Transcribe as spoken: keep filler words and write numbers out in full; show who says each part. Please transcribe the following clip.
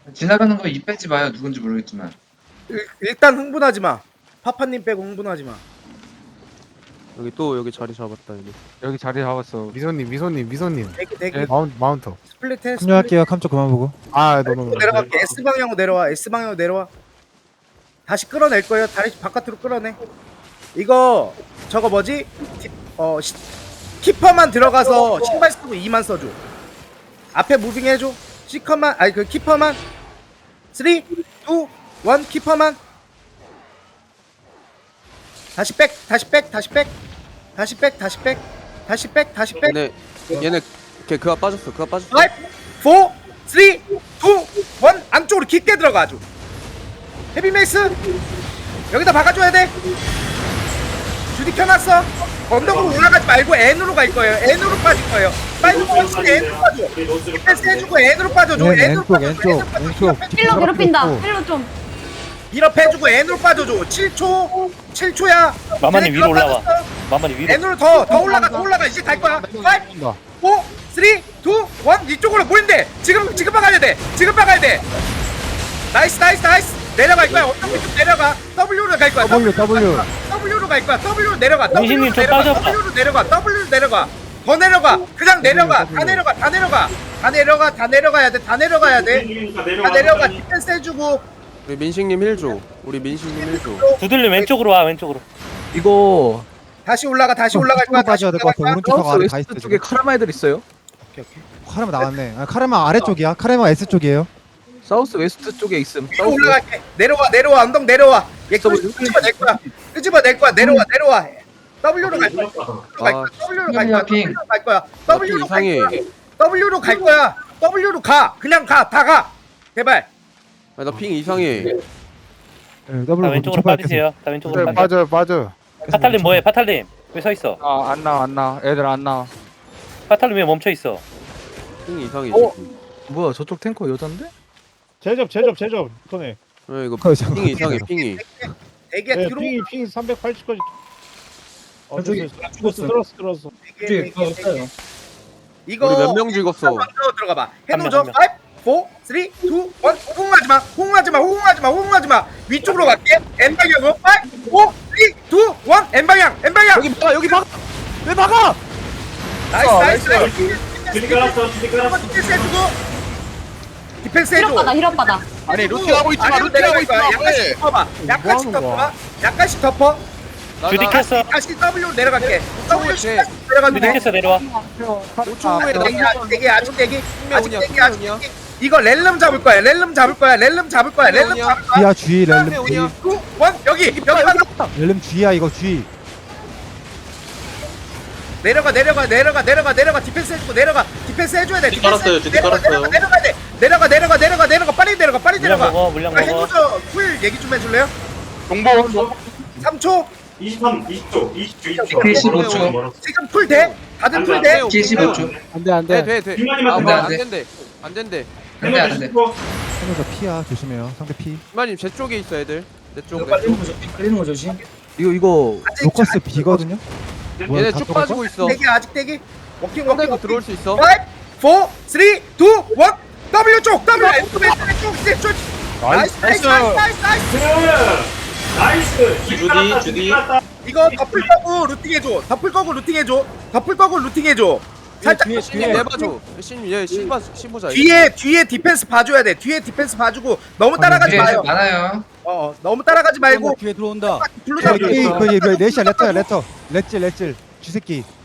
Speaker 1: 지나가는 거 입 빼지 마요. 누군지 모르겠지만.
Speaker 2: 일, 일단 흥분하지 마. 파파님 빼고 흥분하지 마.
Speaker 3: 여기 또 여기 자리 잡았다 여기.
Speaker 4: 여기 자리 잡았어. 미소님, 미소님, 미소님.
Speaker 2: 대기 대기.
Speaker 4: 예, 마운 마운터.
Speaker 2: 스플릿 해. 스플릿.
Speaker 5: 합류할게요. 캄쪽 그만 보고.
Speaker 4: 아, 너너
Speaker 2: 내려갈게. S 방향으로 내려와. S 방향으로 내려와. 다시 끌어낼 거예요. 다시 바깥으로 끌어내. 이거 저거 뭐지? 디- 어 시, 키퍼만 들어가서 신발 쓰고 이만 써줘. 앞에 무빙 해줘. 시커만 아니 그 키퍼만. 삼, 이, 일 키퍼만. 다시 백, 다시 백, 다시 백, 다시 백, 다시 백, 다시 백, 다시 백.
Speaker 3: 얘네 얘네 걔 그가 빠졌어. 그가 빠졌어.
Speaker 2: 오, 사, 삼, 이, 일 안쪽으로 깊게 들어가줘. 헤비메이스 여기다 박아줘야 돼. 주디 켜놨어. 언덕으로 올라가지 말고 N으로 갈 거예요. N으로 빠질 거예요. 빨리 빠지고 N으로 빠져. 디펜스 해주고 N으로 빠져줘.
Speaker 5: 네,
Speaker 2: N으로
Speaker 5: 왼쪽,
Speaker 2: 빠져줘.
Speaker 5: 왼쪽,
Speaker 2: N으로 빠져줘.
Speaker 5: 왼쪽.
Speaker 6: 힐러 괴롭힌다.
Speaker 5: 왼쪽.
Speaker 6: 힐러 좀.
Speaker 2: 밀업 해주고 N으로 빠져줘. 칠 초, 칠 초야.
Speaker 7: 마마님 위로 올라와. 마마님 위로.
Speaker 2: N으로 더, 더 올라가, 더 올라가. 이제 갈 거야. 오, 사, 삼, 이, 일 이쪽으로 보인대. 지금 지금 박아야 돼. 지금 박아야 돼. 나이스, 나이스, 나이스. 내려갈 거야. 어떤 쪽 내려가. W로 갈 거야.
Speaker 5: W, W.
Speaker 2: W로 갈 거야. W로 내려가. W로
Speaker 7: 민신님 좀
Speaker 2: 내려가.
Speaker 7: 빠져봐.
Speaker 2: W로 내려가. W로 내려가. 더 내려가. 그냥 내려가. 다 내려가. 다 내려가. 다 내려가. 다 내려가야 돼. 다 내려가야 돼. 다 내려가. 디펜스 해주고.
Speaker 3: 우리 민식님 힐 줘. 우리 민식님 힐 줘.
Speaker 7: 두들려 왼쪽으로 와 왼쪽으로.
Speaker 8: 이거
Speaker 2: 다시 올라가. 다시 올라갈 거야. 다시
Speaker 5: 빠져야 될 것 같아.
Speaker 2: 올라갈 거야.
Speaker 5: 오른쪽 가 아래 가
Speaker 8: 웨스트
Speaker 5: 있어.
Speaker 8: 쪽에
Speaker 5: 지금.
Speaker 8: 카라마 애들 있어요.
Speaker 2: 오케이, 오케이.
Speaker 5: 카르마 나왔네. 아, 카르마 아래쪽이야. 카르마 S 쪽이에요.
Speaker 8: 사우스 웨스트 쪽에 있음.
Speaker 2: 또
Speaker 8: 사우스
Speaker 2: 올라갈게. 내려와. 내려와. 언덕 내려와. 얘
Speaker 8: W.
Speaker 2: 끄집어 낼 거야. 끄집어 낼 거야. 내려와. 내려와. W로 갈 거야. W로 갈 거야. W로 갈 거야.
Speaker 1: 핑.
Speaker 2: W로 갈 거야.
Speaker 3: 나
Speaker 2: W로 갈
Speaker 3: 이상해.
Speaker 2: 거야. W로 갈 거야. W로 가. 그냥 가. 다 가. 제발.
Speaker 3: 아, 나핑 이상해.
Speaker 5: 네,
Speaker 7: 다
Speaker 5: W
Speaker 7: 왼쪽으로
Speaker 5: 쳐봐야
Speaker 7: 빠지세요. 다 왼쪽으로
Speaker 4: 네,
Speaker 7: 빠져.
Speaker 4: 빠져, 빠져.
Speaker 7: 파탈님 뭐해? 파탈님 왜 서 있어?
Speaker 4: 아, 안 나와, 안 나와. 애들 안 나와.
Speaker 7: 파탈님 왜 멈춰 있어?
Speaker 3: 핑 이상해.
Speaker 8: 어?
Speaker 3: 지금.
Speaker 8: 뭐야 저쪽 탱커 여잔데?
Speaker 9: 제접 제접 제접 손에
Speaker 3: 왜 이거
Speaker 5: 그거 잠깐
Speaker 3: 핑이 이상해. 핑이.
Speaker 2: 대기야
Speaker 9: 네,
Speaker 2: 뒤로.
Speaker 9: 핑이 핑 삼백팔십까지 어,
Speaker 10: 저쪽이
Speaker 9: 됐어, 됐어. 죽었어 들었어 들었어
Speaker 2: 대기해, 대기해, 대기해. 이거
Speaker 3: 우리 몇 명 죽었어?
Speaker 2: 먼저 들어가 봐.
Speaker 7: 한
Speaker 2: 해놓죠.
Speaker 7: 명,
Speaker 2: 오, 사, 삼, 이, 일 호응하지 마. 호응하지 마. 호응하지 마. 호응하지 마. 위쪽으로 갈게. N 방향으로. 오, 사, 삼, 이, 일 N 방향. N 방향.
Speaker 8: 여기 막아 여기 막아! 왜 막아!
Speaker 2: 나이스 나이스 나이스. 디펜스 해주고. 디펜스 해줘.
Speaker 6: 힐업 받아. 힐업 받아.
Speaker 8: 아니 루팅하고 있지 마
Speaker 2: 아래로
Speaker 8: 루팅하고
Speaker 2: 내려갈
Speaker 8: 있지
Speaker 2: 거야.
Speaker 8: 마
Speaker 2: 약간씩 덮어봐. 약간씩
Speaker 4: 뭐 하는 거야?
Speaker 2: 덮어봐. 약간씩 덮어.
Speaker 7: 주디 켰어.
Speaker 2: 다시 W로 내려갈게. W
Speaker 3: 돼.
Speaker 2: 내려가면
Speaker 7: 주디
Speaker 2: 돼.
Speaker 7: 켰어 내려와.
Speaker 3: 오 초 후에
Speaker 2: 대기
Speaker 3: 나
Speaker 2: 아직 대기 아직 대기 아직
Speaker 3: 오냐,
Speaker 2: 대기 아직
Speaker 3: 오냐.
Speaker 2: 대기. 이거 렐름 잡을 거야. 렐름 잡을 거야. 렐름 잡을 거야. 렐름
Speaker 3: 오냐.
Speaker 2: 잡을 거야.
Speaker 5: G야 G 렐름 G.
Speaker 3: 오냐.
Speaker 2: 구, 원 여기 여기 가자.
Speaker 5: 렐름 G야 이거 G.
Speaker 2: 내려가 내려가 내려가 내려가 내려가 디펜스 해주고 내려가 디펜스 해줘야 돼. 디펜스
Speaker 11: 깔았어요,
Speaker 2: 해주고
Speaker 11: 주디
Speaker 2: 내려가
Speaker 11: 깔았어요.
Speaker 2: 내려가 내려가 돼. 내려가 내려가 내려가 내려가 빨리 내려가 빨리
Speaker 7: 물량
Speaker 2: 내려가.
Speaker 7: 먹어 물량
Speaker 2: 아,
Speaker 7: 먹어.
Speaker 2: 해노저 쿨 얘기 좀 해줄래요?
Speaker 4: 동보.
Speaker 2: 삼 초
Speaker 11: 이십삼, 이십 초, 이십 초, 이십 초.
Speaker 1: 그 십오 초.
Speaker 2: 지금 풀 돼? 다들 풀 돼?
Speaker 1: 키 십오 초.
Speaker 5: 안돼 안돼.
Speaker 3: 돼, 돼, 돼.
Speaker 11: 빈만이만
Speaker 3: 아,
Speaker 1: 안
Speaker 3: 뭐,
Speaker 1: 돼,
Speaker 3: 안
Speaker 1: 안 돼.
Speaker 3: 된대. 안 된대.
Speaker 1: 안돼 안돼.
Speaker 5: 해노저 P야 조심해요. 상대 P.
Speaker 3: 이만님 제 쪽에 있어 애들. 내 쪽. 내
Speaker 10: 깔리는
Speaker 3: 쪽.
Speaker 10: 거 조심. 깔리는 거 조심.
Speaker 8: 이거 이거
Speaker 2: 아직
Speaker 5: 로커스 B거든요. 뭐야,
Speaker 3: 얘네
Speaker 5: 다
Speaker 3: 쭉
Speaker 5: 들어갈까?
Speaker 3: 빠지고 있어.
Speaker 2: 대기 아직 대기. 워킹 워킹
Speaker 3: 상대도
Speaker 2: 워킹.
Speaker 3: 들어올 수 있어.
Speaker 2: 오, 사, 삼, 이, 일 W 쪽 W 왼쪽 쪽 이제 쪽. 나이스 나이스 나이스 나이스 나이스.
Speaker 11: 나이스. 주디, 주디.
Speaker 2: 이거 덮을 거고 루팅 해줘. 덮을 거고 루팅 해줘. 덮을 거고 루팅 해줘. 살짝
Speaker 10: 뒤에,
Speaker 3: 신이 내봐줘. 신, 얘 신봐, 신보자.
Speaker 2: 뒤에 뒤에 디펜스 봐줘야 돼. 뒤에 디펜스 봐주고 너무 따라가지
Speaker 1: 뒤에
Speaker 2: 마요.
Speaker 1: 많아요.
Speaker 2: 어 어, 너무 따라가지 말고
Speaker 8: 뒤에 들어온다.
Speaker 2: 블루잡
Speaker 5: K K 그 레시야 레터야 레터. 렛질 렛질. 쥐새끼.